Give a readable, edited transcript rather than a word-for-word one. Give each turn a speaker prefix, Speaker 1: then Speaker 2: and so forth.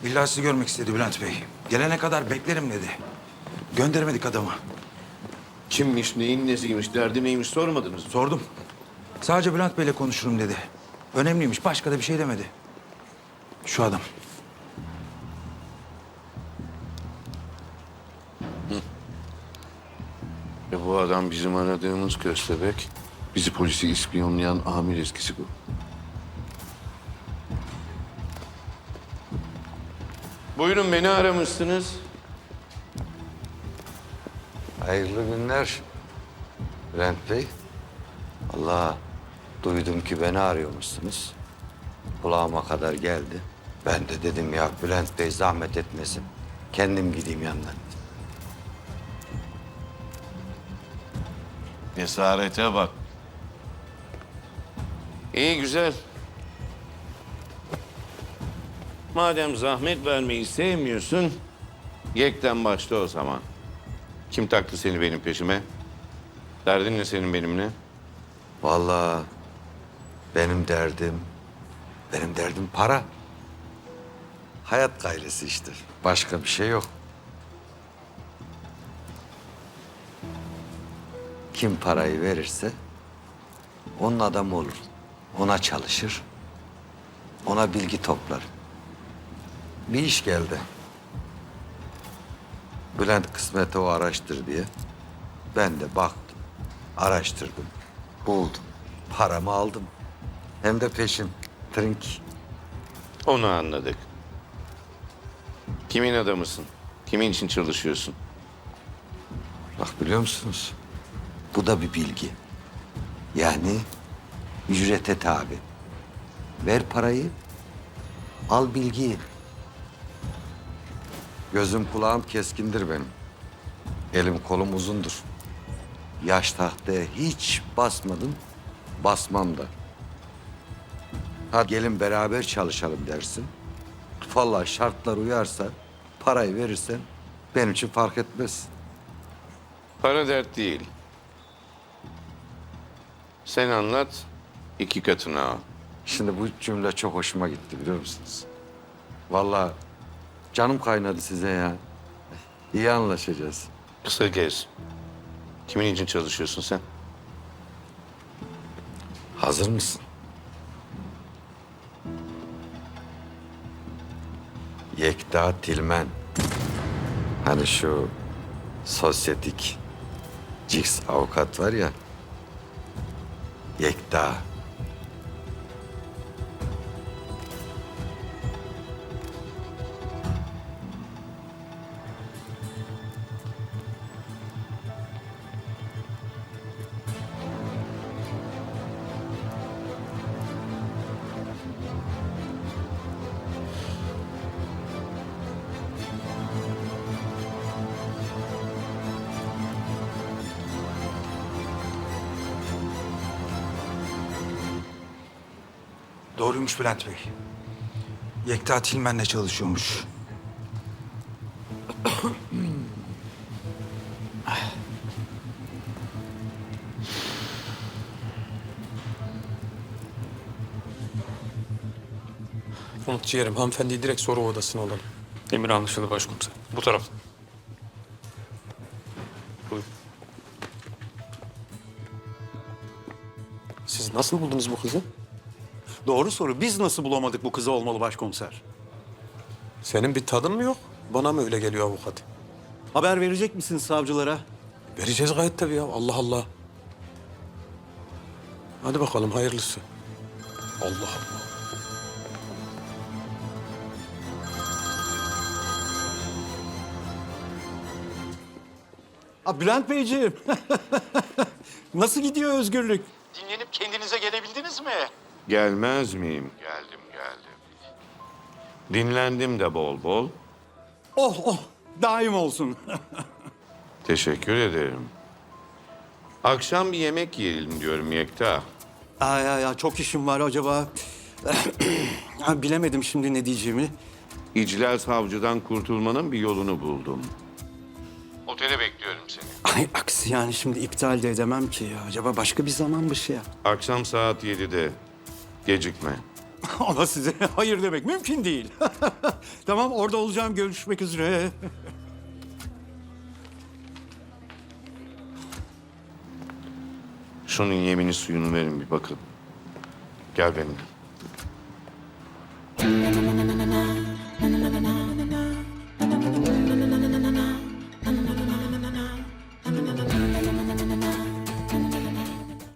Speaker 1: İlla sizi görmek istedi Bülent Bey. Gelene kadar beklerim dedi. Gönderemedik adamı.
Speaker 2: Kimmiş, neyin nesiymiş, derdi neymiş sormadınız mı?
Speaker 1: Sordum. Sadece Bülent Bey'le konuşurum dedi. Önemliymiş, başka da bir şey demedi. Şu adam.
Speaker 2: Bu adam bizim aradığımız köstebek. Bizi polisi ispiyonlayan amir eskisi bu. Buyurun, beni aramışsınız.
Speaker 3: Hayırlı günler Bülent Bey. Allah, duydum ki beni arıyormuşsunuz. Kulağıma kadar geldi. Ben de dedim ya Bülent Bey zahmet etmesin. Kendim gideyim yanına.
Speaker 2: Esarete bak. İyi, güzel. Madem zahmet vermeyi sevmiyorsun, yekten başla o zaman. Kim taktı seni benim peşime? Derdin ne senin benimle?
Speaker 3: Vallahi benim derdim para. Hayat gayresi işte. Başka bir şey yok. Kim parayı verirse onun adamı olur. Ona çalışır. Ona bilgi toplar. Bir iş geldi. Bülent kısmeti o araştır diye. Ben de baktım, araştırdım, buldum. Paramı aldım. Hem de peşin. Trink.
Speaker 2: Onu anladık. Kimin adamısın? Kimin için çalışıyorsun?
Speaker 3: Bak biliyor musunuz? Bu da bir bilgi. Yani ücrete tabi. Ver parayı, al bilgiyi. Gözüm kulağım keskindir benim. Elim kolum uzundur. Yaş tahtaya hiç basmadım, basmam da. Ha gelin beraber çalışalım dersin. Vallahi şartlar uyarsa, parayı verirsen benim için fark etmez.
Speaker 2: Para dert değil. Sen anlat, iki katını al.
Speaker 3: Şimdi bu cümle çok hoşuma gitti biliyor musunuz? Vallahi canım kaynadı size ya. İyi anlaşacağız.
Speaker 2: Kısa kes. Kimin için çalışıyorsun sen?
Speaker 3: Hazır mısın? Yekta Tilmen. Hani şu sosyetik Cix avukat var ya. Yekta.
Speaker 1: Doğruymuş Bülent Bey. Yekta Tilmen'le çalışıyormuş.
Speaker 4: Umut ciğerim, hanımefendiyi direkt soru odasına alalım.
Speaker 5: Emir anlaşıldı başkomiser. Bu taraf. Buyurun.
Speaker 4: Siz nasıl buldunuz bu kızı?
Speaker 6: Doğru soru. Biz nasıl bulamadık bu kızı olmalı başkomiser?
Speaker 4: Senin bir tadın mı yok? Bana mı öyle geliyor avukat?
Speaker 6: Haber verecek misiniz savcılara?
Speaker 4: Vereceğiz gayet tabii ya. Allah Allah. Hadi bakalım hayırlısı. Allah Allah.
Speaker 6: Bülent Beyciğim. Nasıl gidiyor özgürlük? Dinlenip kendinize gelebildiniz mi?
Speaker 2: Gelmez miyim? Geldim. Dinlendim de bol bol.
Speaker 6: Oh oh, daim olsun.
Speaker 2: Teşekkür ederim. Akşam bir yemek yiyelim diyorum Yekta.
Speaker 6: Ya çok işim var acaba. Bilemedim şimdi ne diyeceğimi.
Speaker 2: İclal savcıdan kurtulmanın bir yolunu buldum. Otele bekliyorum seni.
Speaker 6: Ay aksi yani şimdi iptal de edemem ki ya. Acaba başka bir zaman bir şey yap.
Speaker 2: Akşam saat 7'de. Gecikme.
Speaker 6: Ama size hayır demek mümkün değil. Tamam, orada olacağım. Görüşmek üzere.
Speaker 2: Şunun yemini suyunu verin bir bakın. Gel benimle.